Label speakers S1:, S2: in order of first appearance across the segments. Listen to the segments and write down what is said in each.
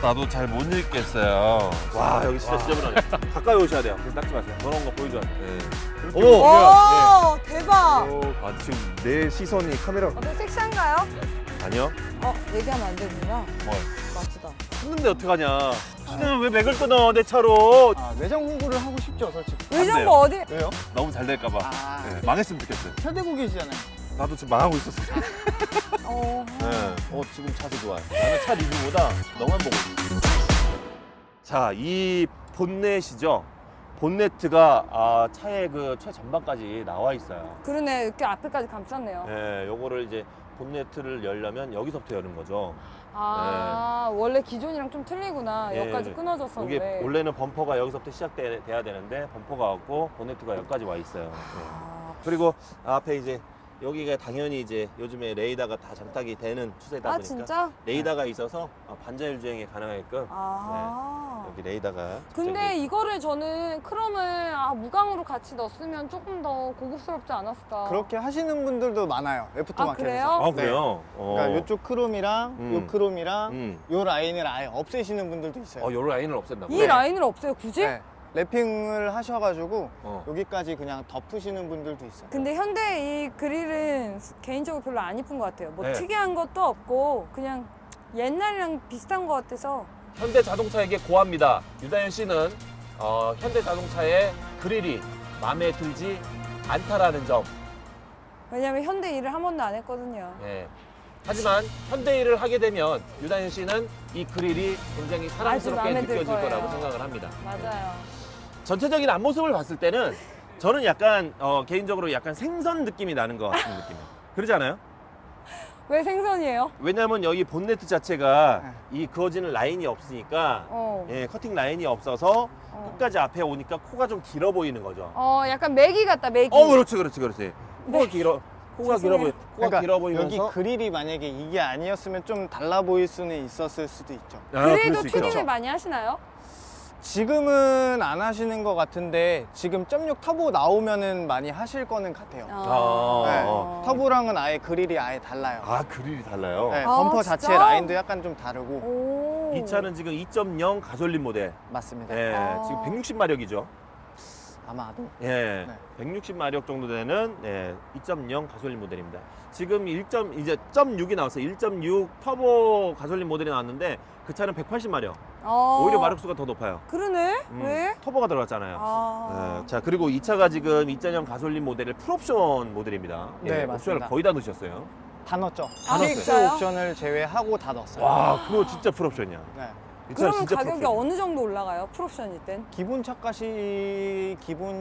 S1: 나도 잘 못 읽겠어요.
S2: 와 여기 진짜 지저분하네. 가까이 오셔야 돼요. 그래서 닦지 마세요. 더러운 거 보여줘야 돼.
S1: 네.
S2: 오!
S3: 오, 대박.
S1: 아, 지금 내 시선이 카메라.
S3: 어때 섹시한가요?
S2: 아니요.
S3: 얘기하면 안 되는구나.
S1: 뭘?
S3: 맞다.
S2: 했는데 어떡하냐. 씨는 왜 맥을 끊어 내 차로.
S4: 매장 홍보를 하고 싶죠, 솔직히.
S3: 의정부
S2: 돼요.
S3: 어디?
S4: 왜요?
S1: 너무 잘 될까봐.
S4: 아,
S1: 네, 망했으면 좋겠어요.
S4: 잘 되고 계시잖아요.
S1: 나도 지금 망하고 있었어요.
S2: 네. 지금 차도 좋아요. 나는 차 리뷰보다 너만 보고 있어. 자, 이 본넷이죠. 본네트가 차의 그 최전방까지 나와 있어요.
S3: 그러네. 이렇게 앞에까지 감쌌네요.
S2: 네, 요거를 이제 본네트를 열려면 여기서부터 여는 거죠.
S3: 원래 기존이랑 좀 틀리구나.
S2: 예.
S3: 여기까지 끊어져서
S2: 이게
S3: 그래.
S2: 원래는 범퍼가 여기서부터 시작돼야 되는데 범퍼가 없고 본네트가 여기까지 와 있어요. 네. 그리고 앞에 이제 여기가 당연히 이제 요즘에 레이더가 다 장착이 되는 추세다 보니까
S3: 진짜?
S2: 레이더가 있어서 반자율 주행이 가능하게끔 여기 레이더가
S3: 근데
S2: 장착이
S3: 이거를 저는 크롬을 무광으로 같이 넣었으면 조금 더 고급스럽지 않았을까.
S4: 그렇게 하시는 분들도 많아요, 애프터 마켓에서.
S3: 그래요?
S2: 아 그래요?
S4: 그러니까 이쪽 크롬이랑 요 크롬이랑 요 라인을 아예 없애시는 분들도 있어요.
S2: 요 라인을 없앤다고?
S3: 이 라인을 없애요, 굳이?
S4: 네. 랩핑을 하셔가지고
S2: 어.
S4: 여기까지 그냥 덮으시는 분들도 있어요.
S3: 근데 현대 이 그릴은 개인적으로 별로 안 이쁜 것 같아요. 뭐
S2: 네.
S3: 특이한 것도 없고 그냥 옛날이랑 비슷한 것 같아서.
S2: 현대 자동차에게 고합니다. 유다현 씨는 현대 자동차의 그릴이 마음에 들지 않다라는 점.
S3: 왜냐면 현대 일을 한 번도 안 했거든요.
S2: 네. 하지만 현대 일을 하게 되면 유다현 씨는 이 그릴이 굉장히 사랑스럽게
S3: 마음에 들
S2: 느껴질
S3: 거예요.
S2: 거라고 생각을 합니다.
S3: 맞아요.
S2: 전체적인 앞모습을 봤을 때는 저는 약간 개인적으로 약간 생선 느낌이 나는 것 같은 느낌이에요. 그러지 않아요?
S3: 왜 생선이에요?
S2: 왜냐면 여기 본네트 자체가
S4: 네.
S2: 이 그어지는 라인이 없으니까
S3: 어.
S2: 예, 커팅 라인이 없어서 끝까지 앞에 오니까 코가 좀 길어 보이는 거죠.
S3: 약간 메기 같다, 메기.
S2: 그렇지. 코가 길어. 코가 길어 보여. 코가
S4: 그러니까
S2: 길어 보이면서
S4: 여기 그릴이 만약에 이게 아니었으면 좀 달라 보일 수는 있었을 수도 있죠.
S3: 그래도
S2: 그럴 수 있죠.
S3: 튜닝을 많이 하시나요?
S4: 지금은 안 하시는 것 같은데 지금 0.6 터보 나오면은 많이 하실 거는 같아요. 네. 터보랑은 아예 그릴이 아예 달라요.
S2: 그릴이 달라요.
S4: 네,
S3: 아,
S4: 범퍼
S3: 진짜?
S4: 자체 라인도 약간 좀 다르고.
S3: 오.
S2: 이 차는 지금 2.0 가솔린 모델.
S4: 맞습니다.
S2: 예,
S3: 아.
S2: 지금 160마력이죠.
S4: 아마도.
S2: 예,
S4: 네.
S2: 160마력 정도 되는 2.0 가솔린 모델입니다. 지금 이제 0.6이 나왔어요. 1.6 터보 가솔린 모델이 나왔는데 그 차는 180마력. 오히려 마력수가 더 높아요.
S3: 그러네? 왜?
S2: 터보가 들어갔잖아요. 예, 자, 그리고 이 차가 지금 2.0 가솔린 모델을 풀옵션 모델입니다.
S4: 네,
S2: 옵션을
S4: 맞습니다.
S2: 거의 다 넣으셨어요.
S4: 다 넣었죠.
S3: 다
S4: TX
S3: 넣었어요?
S4: 옵션을 제외하고 다 넣었어요.
S2: 와, 그거 진짜 풀옵션이야.
S4: 네.
S2: 이 차는
S3: 그러면
S2: 진짜
S3: 가격이
S2: 풀옵션이야.
S3: 어느 정도 올라가요? 풀옵션일 땐?
S4: 기본 차값이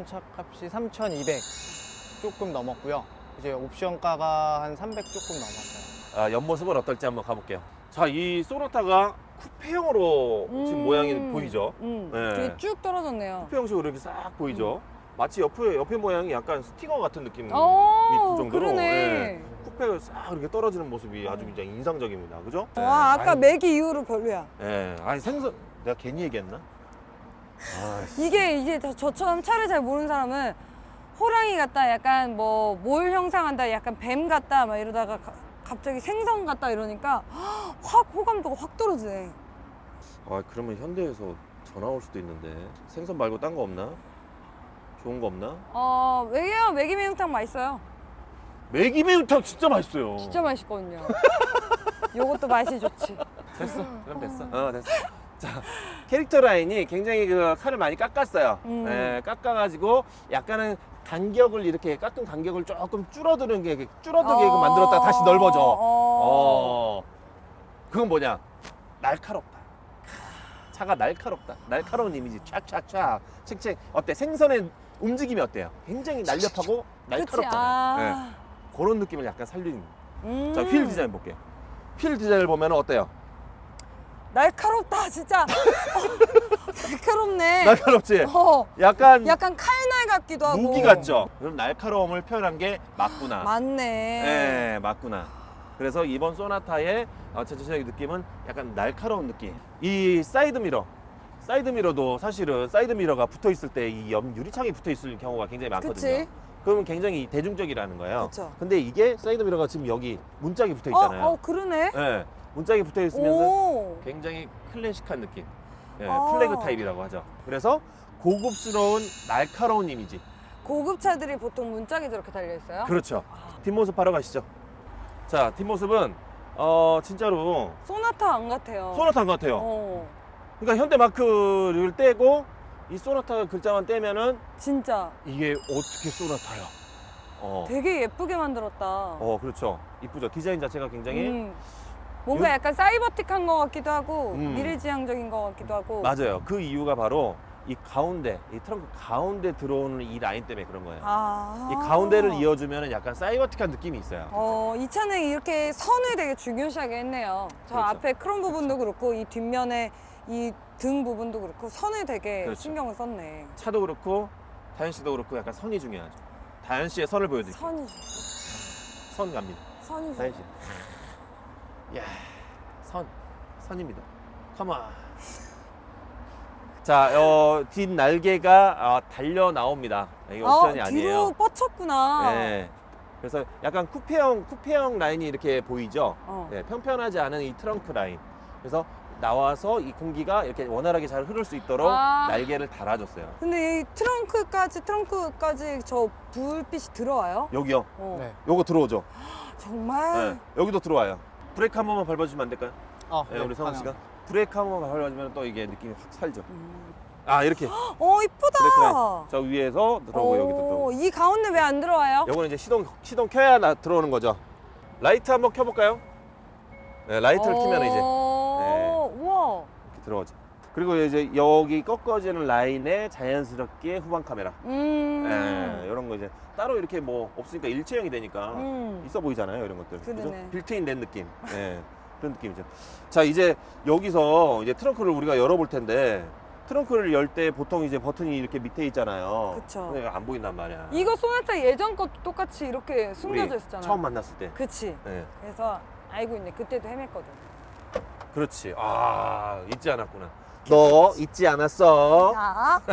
S4: 3,200 조금 넘었고요. 이제 옵션가가 한 300 조금 넘었어요.
S2: 옆모습은 어떨지 한번 가볼게요. 자, 이 소나타가 쿠페형으로 지금 모양이 보이죠? 네.
S3: 되게 쭉 떨어졌네요.
S2: 쿠페형식으로 이렇게 싹 보이죠? 마치 옆에 모양이 약간 스티커 같은 느낌이 들
S3: 오,
S2: 정도로
S3: 그러네.
S2: 예, 쿠페가 싹 이렇게 떨어지는 모습이 아주 굉장히 인상적입니다. 그죠?
S3: 와, 아까
S2: 아이,
S3: 메기 이후로 별로야.
S2: 예, 아니 생선 내가 괜히 얘기했나?
S3: 이게 저처럼 차를 잘 모르는 사람은 호랑이 같다, 약간 뭐 몰 형상한다, 약간 뱀 같다 막 이러다가 갑자기 생선 같다 이러니까 확 호감도가 확 떨어지네.
S2: 그러면 현대에서 전화 올 수도 있는데 생선 말고 딴 거 없나? 좋은 거 없나?
S3: 왜요? 메기 매운탕 맛있어요.
S2: 매기 매운탕 진짜 맛있어요.
S3: 진짜 맛있거든요. 요것도 맛이 좋지.
S2: 됐어. 그럼 됐어. 됐어. 자, 캐릭터 라인이 굉장히 그 칼을 많이 깎았어요. 예, 깎아가지고 약간은 간격을 이렇게 깎은 간격을 조금 줄어들게 만들었다가 다시 넓어져. 그건 뭐냐? 날카롭다. 차가 날카롭다. 날카로운 이미지 촥촥촥. 책책. 어때? 생선의 움직임이 어때요? 굉장히 날렵하고 날카롭잖아요. 예, 그런 느낌을 약간 살리는. 자, 휠 디자인 볼게요. 휠 디자인을 보면 어때요?
S3: 날카롭다, 진짜. 날카롭네.
S2: 날카롭지?
S3: 어,
S2: 약간
S3: 약간 칼날 같기도 하고.
S2: 무기 같죠? 그럼 날카로움을 표현한 게 맞구나.
S3: 맞네.
S2: 네, 맞구나. 그래서 이번 소나타의 전체적인 느낌은 약간 날카로운 느낌. 이 사이드미러도 사실은 사이드미러가 붙어 있을 때 이 옆 유리창이 붙어 있을 경우가 굉장히 많거든요.
S3: 그치?
S2: 그러면 굉장히 대중적이라는 거예요.
S3: 그쵸.
S2: 근데 이게 사이드미러가 지금 여기 문짝이 붙어 있잖아요.
S3: 그러네.
S2: 네. 문짝이 붙어 있으면서
S3: 오.
S2: 굉장히 클래식한 느낌. 예,
S3: 아.
S2: 플래그 타입이라고 하죠. 그래서 고급스러운 날카로운 이미지.
S3: 고급차들이 보통 문짝이 저렇게 달려 있어요?
S2: 그렇죠. 뒷모습 바로 가시죠. 자, 뒷모습은 진짜로
S3: 소나타 안 같아요.
S2: 소나타 같아요.
S3: 어.
S2: 그러니까 현대 마크를 떼고 이 소나타 글자만 떼면은
S3: 진짜
S2: 이게 어떻게 소나타야?
S3: 되게 예쁘게 만들었다.
S2: 그렇죠. 이쁘죠. 디자인 자체가 굉장히
S3: 뭔가
S2: 요-
S3: 약간 사이버틱한 것 같기도 하고
S2: 음.
S3: 미래지향적인 것 같기도 하고.
S2: 맞아요. 그 이유가 바로 이 가운데, 이 트렁크 가운데 들어오는 이 라인 때문에 그런 거예요.
S3: 아.
S2: 이 가운데를 이어주면 약간 사이버틱한 느낌이 있어요.
S3: 이 차는 이렇게 선을 되게 중요시하게 했네요. 저
S2: 그렇죠.
S3: 앞에 크롬 부분도 그렇고 이 뒷면에 이 등 부분도 그렇고 선을 되게
S2: 그렇죠.
S3: 신경을 썼네.
S2: 차도 그렇고 다현 씨도 그렇고 약간 선이 중요하죠. 다현 씨의 선을 보여드릴게요.
S3: 선이
S2: 선 갑니다.
S3: 선이
S2: 다현 씨. 이야, 선입니다. 컴온. 자, 뒷 날개가 달려 나옵니다. 이게 옵션이 아니에요.
S3: 뒤로 뻗쳤구나.
S2: 네. 그래서 약간 쿠페형 라인이 이렇게 보이죠? 네, 평평하지 않은 이 트렁크 라인. 그래서 나와서 이 공기가 이렇게 원활하게 잘 흐를 수 있도록
S3: 아.
S2: 날개를 달아줬어요.
S3: 근데 이 트렁크까지 저 불빛이 들어와요?
S2: 여기요.
S4: 네.
S2: 요거 들어오죠?
S3: 정말?
S2: 네. 여기도 들어와요. 브레이크 한 번만 밟아주시면 안 될까요?
S4: 네,
S2: 우리 성훈 씨가. 브레이크 한 번만 밟아주면 또 이게 느낌이 확 살죠.
S3: 음.
S2: 아, 이렇게.
S3: 이쁘다.
S2: 브레이크 라인. 저 위에서 들어오고 여기도 들어오고.
S3: 이 가운데 왜 안 들어와요?
S2: 요거는 이제 시동 켜야 들어오는 거죠. 라이트 한번 켜볼까요? 네, 라이트를 켜면 이제
S3: 우와.
S2: 이렇게 들어오죠. 그리고 이제 여기 꺾어지는 라인에 자연스럽게 후방 카메라. 이런 거 이제 따로 이렇게 뭐 없으니까 일체형이 되니까 있어 보이잖아요, 이런 것들.
S3: 그러네.
S2: 그죠? 빌트인 된 느낌. 그런 느낌이죠. 자, 이제 여기서 이제 트렁크를 우리가 열어볼 텐데 트렁크를 열 때 보통 이제 버튼이 이렇게 밑에 있잖아요.
S3: 그쵸.
S2: 근데 안 보인단 말이야.
S3: 이거 소나타 예전 것도 똑같이 이렇게 숨겨져
S2: 우리
S3: 있었잖아요.
S2: 처음 만났을 때.
S3: 그치.
S2: 네.
S3: 그래서 알고 있네. 그때도 헤맸거든.
S2: 그렇지. 아, 잊지 않았구나. 너 잊지 않았어.
S3: 자,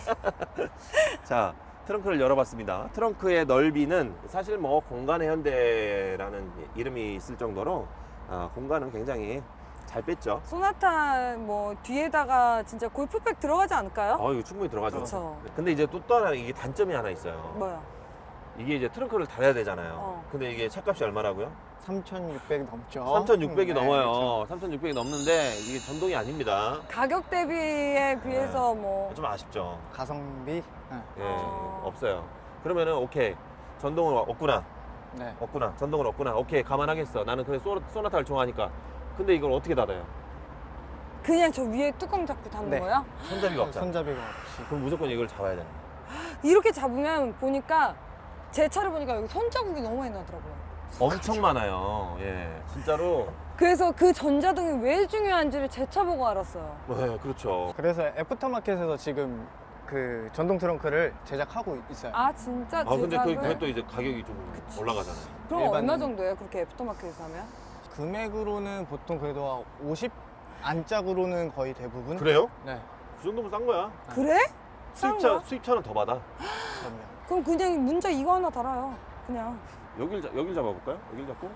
S2: 자, 트렁크를 열어봤습니다. 트렁크의 넓이는 사실 뭐 공간의 현대라는 이름이 있을 정도로 공간은 굉장히 잘 뺐죠.
S3: 소나타 뭐 뒤에다가 진짜 골프백 들어가지 않을까요?
S2: 이거 충분히 들어가죠.
S3: 그렇죠.
S2: 근데 이제 또 다른 이게 단점이 하나 있어요.
S3: 뭐야?
S2: 이게 이제 트렁크를 달아야 되잖아요. 근데 이게 차값이 얼마라고요?
S4: 3,600 넘죠.
S2: 3,600이
S4: 네,
S2: 넘어요.
S4: 그렇죠.
S2: 3,600이 넘는데 이게 전동이 아닙니다.
S3: 가격 대비에 비해서 뭐
S2: 좀 아쉽죠.
S4: 가성비. 네.
S2: 예, 없어요. 그러면은 오케이. 전동은 없구나.
S4: 네.
S2: 없구나. 전동은 없구나. 오케이. 감안하겠어. 나는 그래 소나타를 좋아하니까. 근데 이걸 어떻게 닫아요?
S3: 그냥 저 위에 뚜껑 잡고 닫는
S4: 네.
S3: 거야?
S2: 손잡이가 없잖아.
S4: 손잡이가 없이.
S2: 그럼 무조건 이걸 잡아야 되는 거야.
S3: 이렇게 잡으면 보니까 제 차를 보니까 여기 손자국이 너무 많이 나더라고요.
S2: 엄청 많아요. 예. 진짜로.
S3: 그래서 그 전자등이 왜 중요한지를 제 차 보고 알았어요.
S2: 네, 그렇죠.
S4: 그래서 애프터마켓에서 지금 그 전동 트렁크를 제작하고 있어요.
S3: 아 진짜
S2: 근데
S3: 제작을?
S2: 그게 또 이제 가격이 좀 올라가잖아요.
S3: 그럼
S4: 일반-
S3: 얼마 정도예요? 그렇게 애프터마켓에서 하면?
S4: 금액으로는 보통 그래도 50 안짝으로는 거의 대부분.
S2: 그래요?
S4: 네.
S2: 그 정도면 싼 거야.
S3: 그래? 싼 거야?
S2: 수입차는 더 받아.
S4: 그럼요.
S3: 그럼 그냥 문자 이거 하나 달아요. 그냥.
S2: 여길 잡아볼까요? 여길 잡고.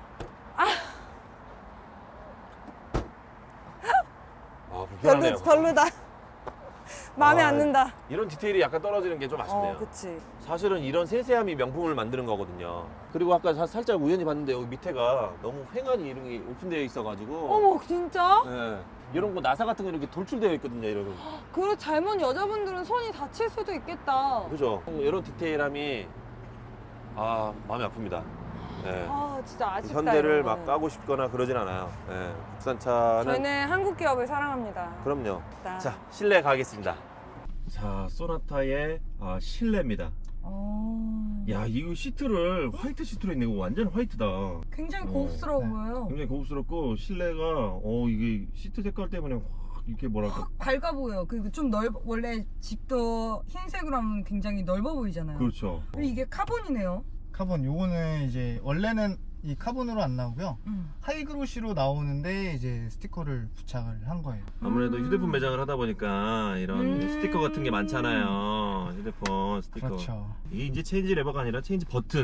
S2: 불편하네요.
S3: 별로다. 마음에 안 든다.
S2: 이런 디테일이 약간 떨어지는 게 좀 아쉽네요.
S3: 그치.
S2: 사실은 이런 세세함이 명품을 만드는 거거든요. 그리고 아까 살짝 우연히 봤는데 여기 밑에가 너무 휑하니 이런 게 오픈되어 있어가지고.
S3: 어머 진짜?
S2: 네. 이런 거 나사 같은 거 이렇게 돌출되어 있거든요. 이런.
S3: 그리고 잘못 여자분들은 손이 다칠 수도 있겠다.
S2: 그죠? 이런 디테일함이 마음이 아픕니다. 네.
S3: 아 진짜 아쉽다.
S2: 현대를
S3: 이런
S2: 막
S3: 거는.
S2: 까고 싶거나 그러진 않아요. 네. 국산차는
S3: 저희는 한국 기업을 사랑합니다.
S2: 그럼요.
S3: 나.
S2: 자, 실내 가겠습니다. 자, 소나타의 실내입니다. 야, 이거 시트를 화이트 시트로 했네. 이거 완전 화이트다.
S3: 굉장히
S4: 고급스러워
S3: 보여요.
S2: 굉장히 고급스럽고 실내가 이게 시트 색깔 때문에 확 이렇게 뭐랄까.
S3: 밝아 보여. 그리고 좀 원래 집도 흰색으로 하면 굉장히 넓어 보이잖아요.
S2: 그렇죠.
S3: 그리고 이게 카본이네요.
S4: 카본 요거는 이제 원래는 이 카본으로 안 나오고요. 하이그로시로 나오는데 이제 스티커를 부착을 한 거예요.
S2: 아무래도 휴대폰 매장을 하다 보니까 이런 스티커 같은 게 많잖아요. 휴대폰 스티커.
S4: 그렇죠.
S2: 이게 이제 체인지 레버가 아니라 체인지 버튼.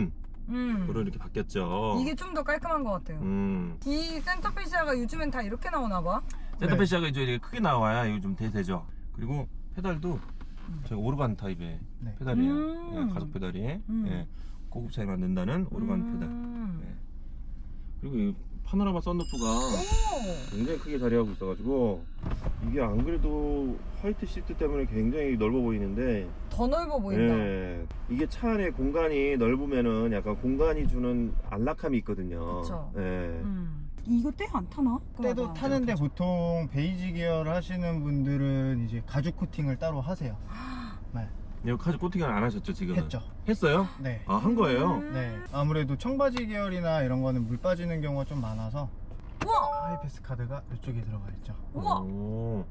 S2: 으로 이렇게 바뀌었죠.
S3: 이게 좀 더 깔끔한 것 같아요. 이 센터페시아가 요즘엔 다 이렇게 나오나 봐.
S2: 센터페시아가 이제 이렇게 크게 나와야 이거 좀 대세죠. 그리고 페달도 저희 오르간 타입의
S4: 네.
S2: 페달이에요. 예, 가속 페달이. 예, 고급 차에 맞는다는 오르간 페달. 예. 그리고 이 파노라마 썬루프가 굉장히 크게 자리하고 있어가지고 이게 안 그래도 화이트 시트 때문에 굉장히 넓어 보이는데
S3: 더 넓어 보인다.
S2: 예, 이게 차 안에 공간이 넓으면은 약간 공간이 주는 안락함이 있거든요.
S3: 그쵸.
S2: 예.
S3: 이거 때 안 타나?
S4: 때도 타는데 보통 베이지 계열 하시는 분들은 이제 가죽 코팅을 따로 하세요. 네.
S2: 이거 카드 코팅을 안 하셨죠 지금?
S4: 했죠.
S2: 했어요?
S4: 네.
S2: 아, 한 거예요?
S4: 네. 아무래도 청바지 계열이나 이런 거는 물 빠지는 경우가 좀 많아서
S3: 우와!
S4: 하이패스 카드가 이쪽에 들어가 있죠.
S3: 우와!
S2: 오.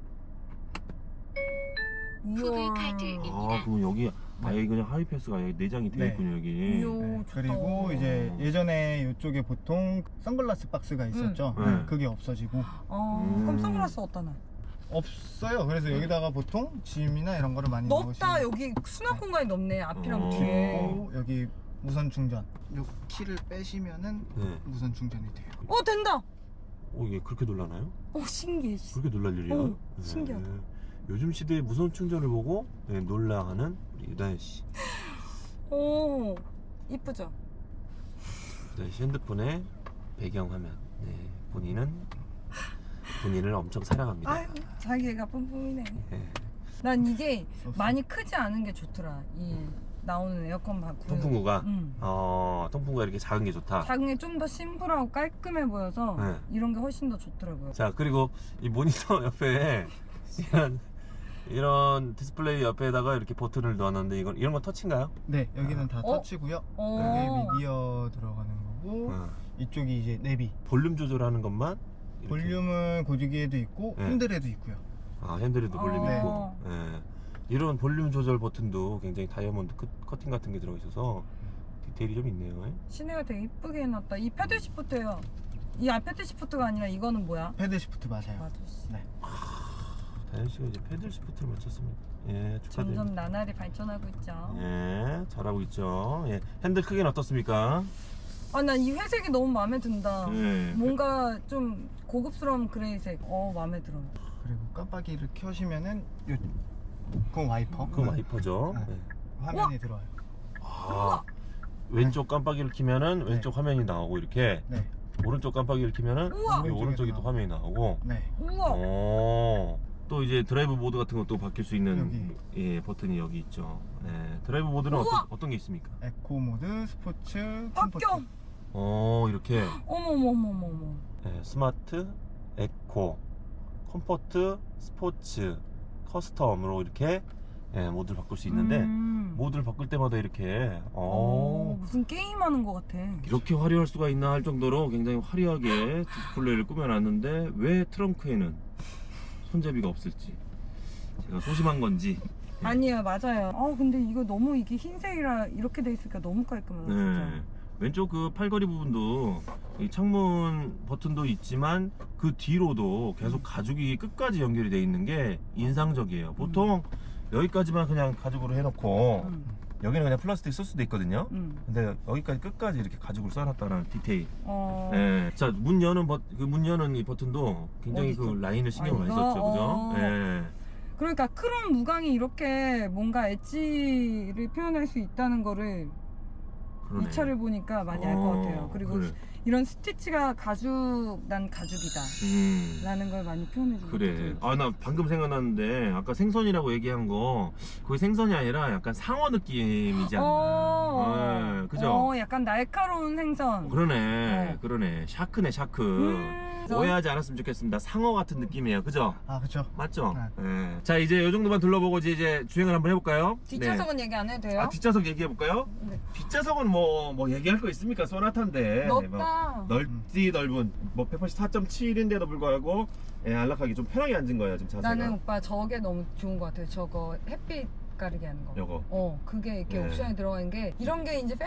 S3: 이야.
S2: 아, 그럼 여기 아예 그냥 하이패스가 아예 내장이 되어
S4: 네.
S2: 있군요 여기.
S3: 이야,
S4: 네.
S3: 좋다.
S4: 그리고 이제 예전에 이쪽에 보통 선글라스 박스가 있었죠.
S2: 네.
S4: 그게 없어지고
S3: 그럼 선글라스 어디다 놔?
S4: 없어요. 그래서 여기다가 보통 짐이나 이런 거를 많이
S3: 넓다.
S4: 넣으시면
S3: 여기 수납 공간이 넓네. 앞이랑
S2: 어.
S3: 뒤에.
S4: 그리고 여기 무선 충전. 요 키를 빼시면은
S2: 네.
S4: 무선 충전이 돼요.
S3: 된다.
S2: 오, 이게 그렇게 놀라나요?
S3: 신기해.
S2: 그렇게 놀랄 일이야?
S3: 어, 신기하다.
S2: 요즘 시대의 무선 충전을 보고 놀라하는 우리 유다현 씨.
S3: 오, 이쁘죠?
S2: 유다현 씨 핸드폰의 배경 화면. 네, 본인을 엄청 사랑합니다.
S3: 아유, 자기애가 뿜뿜이네.
S2: 네.
S3: 난 이게 많이 크지 않은 게 좋더라. 이 나오는 에어컨 바꾸.
S2: 통풍구가 통풍구가 이렇게 작은 게 좋다.
S3: 작은 게 좀 더 심플하고 깔끔해 보여서
S2: 네.
S3: 이런 게 훨씬 더 좋더라고요.
S2: 자, 그리고 이 모니터 옆에 이런 디스플레이 옆에다가 이렇게 버튼을 넣었는데 이런 건 터치인가요?
S4: 네, 여기는 다 터치고요. 여기 미디어 들어가는 거고 이쪽이 이제 내비.
S2: 볼륨 조절하는 것만 이렇게.
S4: 볼륨은 고지기에도 있고
S2: 네.
S4: 핸들에도 있고요.
S2: 아, 핸들에도 볼륨이
S3: 네.
S2: 있고. 예. 이런 볼륨 조절 버튼도 굉장히 다이아몬드 커팅 같은 게 들어 있어서 디테일이 좀 있네요.
S3: 시내가 되게 이쁘게 해놨다. 이 패드 시프트예요. 이 패드 시프트가 아니라 이거는 뭐야?
S4: 패드 시프트 맞아요.
S3: 맞아.
S4: 네.
S2: 다현 씨가 이제 패들 시프트를 맞췄습니다. 예, 축하드립니다.
S3: 점점 나날이 발전하고 있죠.
S2: 예, 잘하고 있죠. 예, 핸들 크기는 어떻습니까?
S3: 난 이 회색이 너무 마음에 든다.
S2: 예.
S3: 뭔가 좀 고급스러운 그레이색. 마음에 들어.
S4: 그리고 깜빡이를 켜시면은 그건 와이퍼.
S2: 그건 와이퍼죠.
S4: 네.
S2: 예.
S4: 화면이 들어와요.
S2: 아, 왼쪽 깜빡이를 키면은 왼쪽 화면이 나오고 이렇게
S4: 네.
S2: 오른쪽 깜빡이를 키면은
S3: 우와!
S2: 이 오른쪽이 또 화면이 나오고.
S4: 네.
S3: 우와.
S2: 또 이제 드라이브 모드 같은 것도 바뀔 수 있는
S4: 여기.
S2: 예, 버튼이 여기 있죠. 예, 드라이브 모드는
S3: 우와!
S2: 어떤 게 있습니까?
S4: 에코 모드, 스포츠, 컴포트.
S3: 바뀌어.
S2: 이렇게
S3: 어머머머머머.
S2: 예, 스마트, 에코, 컴포트, 스포츠, 커스텀으로 이렇게 예, 모드를 바꿀 수 있는데 모드를 바꿀 때마다 이렇게
S3: 무슨 게임하는 것 같아.
S2: 이렇게 화려할 수가 있나 할 정도로 굉장히 화려하게 디스플레이를 꾸며놨는데 왜 트렁크에는 손잡이가 없을지 제가 소심한 건지.
S3: 아니요, 맞아요. 근데 이거 너무 이게 흰색이라 이렇게 돼 있으니까 너무 깔끔하다.
S2: 네.
S3: 진짜.
S2: 왼쪽 그 팔걸이 부분도 이 창문 버튼도 있지만 그 뒤로도 계속 가죽이 끝까지 연결이 돼 있는 게 인상적이에요. 보통 여기까지만 그냥 가죽으로 해놓고 여기는 그냥 플라스틱 쓸 수도 있거든요. 근데 여기까지 끝까지 이렇게 가죽을 써놨다는 디테일. 예. 자, 문 여는 이 버튼도 굉장히
S3: 어디
S2: 그
S3: 있어?
S2: 라인을 신경을 많이
S3: 이거?
S2: 썼죠, 그죠? 예.
S3: 그러니까 크롬 무광이 이렇게 뭔가 엣지를 표현할 수 있다는 거를
S2: 그러네.
S3: 이 차를 보니까 많이 알 것 같아요. 그리고
S2: 그래.
S3: 이런 스티치가 난 가죽이다 라는 걸 많이 표현해 주는
S2: 그래. 나 방금 생각났는데 아까 생선이라고 얘기한 거 그게 생선이 아니라 약간 상어 느낌이지 않나. 그죠?
S3: 약간 날카로운 생선.
S2: 그러네. 그러네. 샤크네, 샤크. 오해하지 않았으면 좋겠습니다. 상어 같은 느낌이에요. 그죠?
S4: 아, 그쵸.
S2: 맞죠? 네. 자, 이제 이 정도만 둘러보고 이제 주행을 한번 해볼까요?
S3: 뒷좌석은 얘기 안 해도 돼요?
S2: 뒷좌석 얘기해볼까요?
S3: 네.
S2: 뒷좌석은 뭐 얘기할 거 있습니까? 소나타인데.
S3: 넓다.
S2: 넓디 넓은 184.7인데도 불구하고 안락하게 좀 편하게 앉은 거예요 지금 자세가.
S3: 나는 오빠 저게 너무 좋은 것 같아요. 저거 햇빛 가리게 하는 거.
S2: 요거.
S3: 그게 이렇게
S2: 네.
S3: 옵션이 들어가 있는 게 이런 게 이제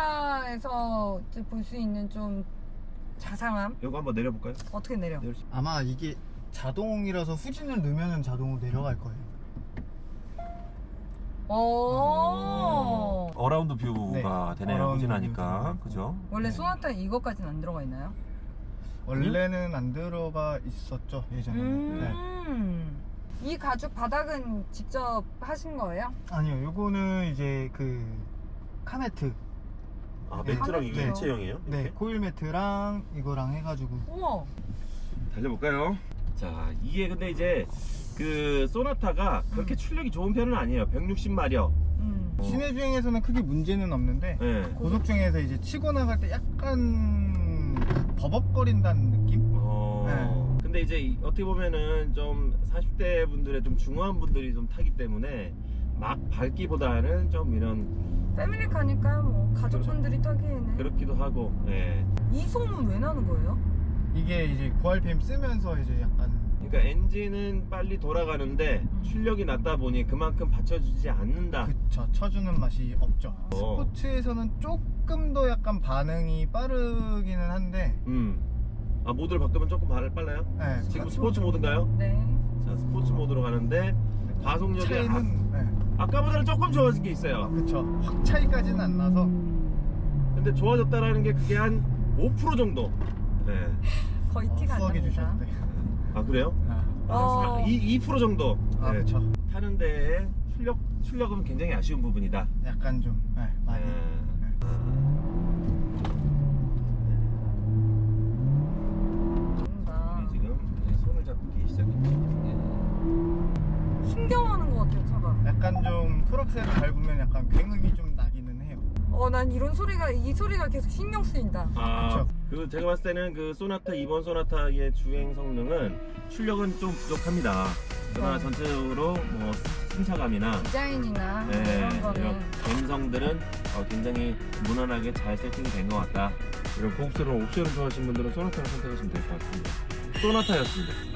S3: 패밀리카에서 볼 수 있는 좀 자상함.
S2: 요거 한번 내려볼까요?
S3: 어떻게 내려?
S4: 아마 이게 자동이라서 후진을 넣으면 자동으로 내려갈 거예요.
S3: 오.
S2: 어라운드 뷰가 되네요.
S4: 어라운드
S2: 후진하니까.
S4: 뷰.
S2: 그죠?
S3: 원래 소나타 이거까지는 안 들어가 있나요?
S4: 원래는 안 들어가 있었죠, 예전에는. 네.
S3: 이 가죽 바닥은 직접 하신 거예요?
S4: 아니요, 요거는 이제 그 카메트.
S2: 아,
S4: 네.
S2: 매트랑 이게
S3: 네.
S2: 일체형이에요?
S4: 네,
S2: 이렇게?
S4: 코일 매트랑 이거랑 해가지고.
S3: 우와.
S2: 달려볼까요? 자, 이게 근데 이제 그 소나타가 그렇게 출력이 좋은 편은 아니에요. 160마력.
S4: 시내 주행에서는 크게 문제는 없는데
S2: 네.
S4: 고속 주행에서 이제 치고 나갈 때 약간 버벅거린다는 느낌?
S2: 근데 이제 어떻게 보면은 좀 40대 분들의 좀 중후한 분들이 좀 타기 때문에 막 밟기보다는 좀 이런
S3: 패밀리카니까 뭐 가족분들이 타기에는.
S2: 그렇기도 하고. 예.
S3: 이 소음은 왜 나는 거예요?
S4: 이게 이제 고RPM 쓰면서 이제 약간
S2: 그러니까 엔진은 빨리 돌아가는데 출력이 낮다 보니 그만큼 받쳐주지 않는다.
S4: 그쵸, 쳐주는 맛이 없죠. 스포츠에서는 조금 더 약간 반응이 빠르기는 한데
S2: 아, 모드를 바꾸면 조금 빨라요?
S4: 네,
S2: 지금 스포츠 모드인가요?
S3: 네.
S2: 자, 스포츠 모드로 가는데 과속력이
S4: 차이는 네.
S2: 아까보다는 조금 좋아진 게 있어요.
S4: 그쵸, 확 차이까지는 안 나서
S2: 근데 좋아졌다라는 게 그게 한 5% 정도. 네.
S3: 거의 티가 안
S4: 수학해
S3: 납니다.
S4: 주셨대.
S2: 아, 그래요?
S3: 어.
S2: 2% 정도.
S4: 아,
S2: 네.
S4: 그쵸.
S2: 타는데 출력은 굉장히 아쉬운 부분이다.
S4: 약간 좀 많이.
S3: 뭔가
S2: 지금 손을 잡기 시작했죠.
S3: 신경하는 것 같아요, 차가.
S4: 약간 좀 풀악셀을 밟으면 약간 굉음이 좀 나기는 해요.
S3: 난 이 소리가 계속 신경 쓰인다.
S2: 아,
S4: 그쵸.
S2: 그리고 제가 봤을 때는 그 소나타, 이번 소나타의 주행 성능은 출력은 좀 부족합니다. 그러나 전체적으로 뭐 승차감이나
S3: 디자인이나
S2: 네,
S3: 이런
S2: 이런
S3: 거는
S2: 감성들은 굉장히 무난하게 잘 세팅이 된 것 같다. 이런 고급스러운 옵션을 좋아하시는 분들은 소나타를 선택하시면 될 것 같습니다. 소나타였습니다.